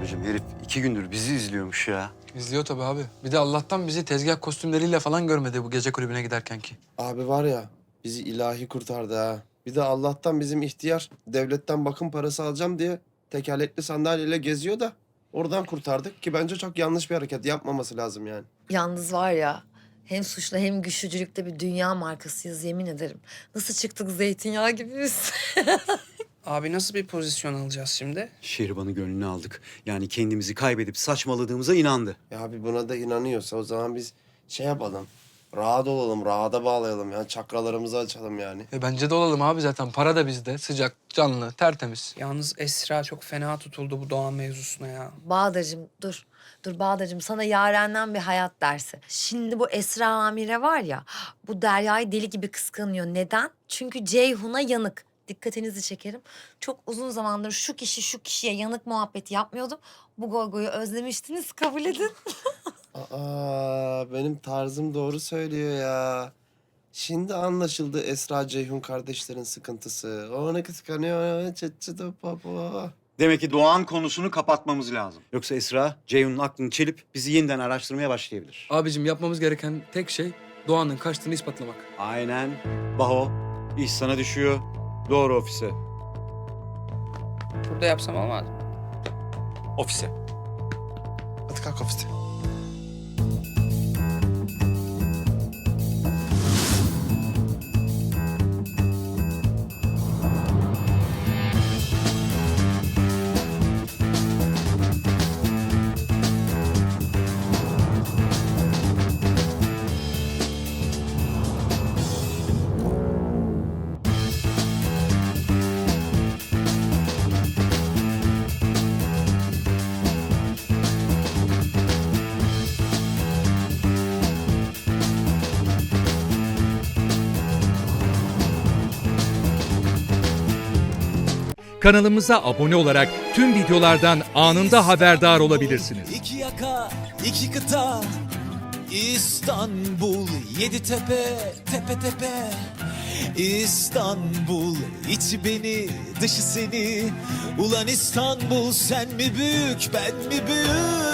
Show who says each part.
Speaker 1: abicim. Herif 2 gündür bizi izliyormuş ya.
Speaker 2: İzliyor tabii abi. Bir de Allah'tan bizi tezgah kostümleriyle falan görmedi bu gece kulübüne giderken ki.
Speaker 3: Abi var ya bizi ilahi kurtardı ha. Bir de Allah'tan bizim ihtiyar devletten bakım parası alacağım diye tekerlekli sandalyeyle geziyor da oradan kurtardık ki bence çok yanlış bir hareket yapmaması lazım yani.
Speaker 4: Yalnız var ya hem suçlu hem güçlücülükte bir dünya markasıyız yemin ederim. Nasıl çıktık zeytinyağı gibiyiz.
Speaker 5: Abi nasıl bir pozisyon alacağız şimdi?
Speaker 1: Şehriban'ı gönlüne aldık. Yani kendimizi kaybedip saçmaladığımıza inandı.
Speaker 3: Ya abi buna da inanıyorsa o zaman biz şey yapalım. Rahat olalım, rahata bağlayalım ya. Çakralarımızı açalım yani.
Speaker 2: Bence de olalım abi zaten. Para da bizde. Sıcak, canlı, tertemiz.
Speaker 5: Yalnız Esra çok fena tutuldu bu Doğan mevzusuna ya.
Speaker 4: Bahadır'cığım dur. Dur Bahadır'cığım sana Yaren'den bir hayat dersi. Şimdi bu Esra Amire var ya bu Derya'yı deli gibi kıskanıyor. Neden? Çünkü Ceyhun'a yanık. Dikkatinizi çekerim. Çok uzun zamandır şu kişi şu kişiye yanık muhabbeti yapmıyordum. Bu goygoyu özlemiştiniz kabul edin.
Speaker 3: Aa, benim tarzım doğru söylüyor ya. Şimdi anlaşıldı Esra Ceyhun kardeşlerin sıkıntısı. O onu kıskanıyor. Çıt çıt hop hop hop.
Speaker 1: Demek ki Doğan konusunu kapatmamız lazım. Yoksa Esra, Ceyhun'un aklını çelip bizi yeniden araştırmaya başlayabilir.
Speaker 2: Abicim yapmamız gereken tek şey Doğan'ın kaçtığını ispatlamak.
Speaker 1: Aynen. Baho, iş sana düşüyor. Doğru ofise.
Speaker 5: Burada yapsam olmaz mı?
Speaker 1: Ofise.
Speaker 3: Hadi kalk ofiste.
Speaker 6: Kanalımıza abone olarak tüm videolardan anında haberdar olabilirsiniz.
Speaker 7: İki yaka, iki kıta, İstanbul, yedi tepe, tepe tepe. İstanbul, içi beni, dışı seni. Ulan İstanbul, sen mi büyük, ben mi büyük?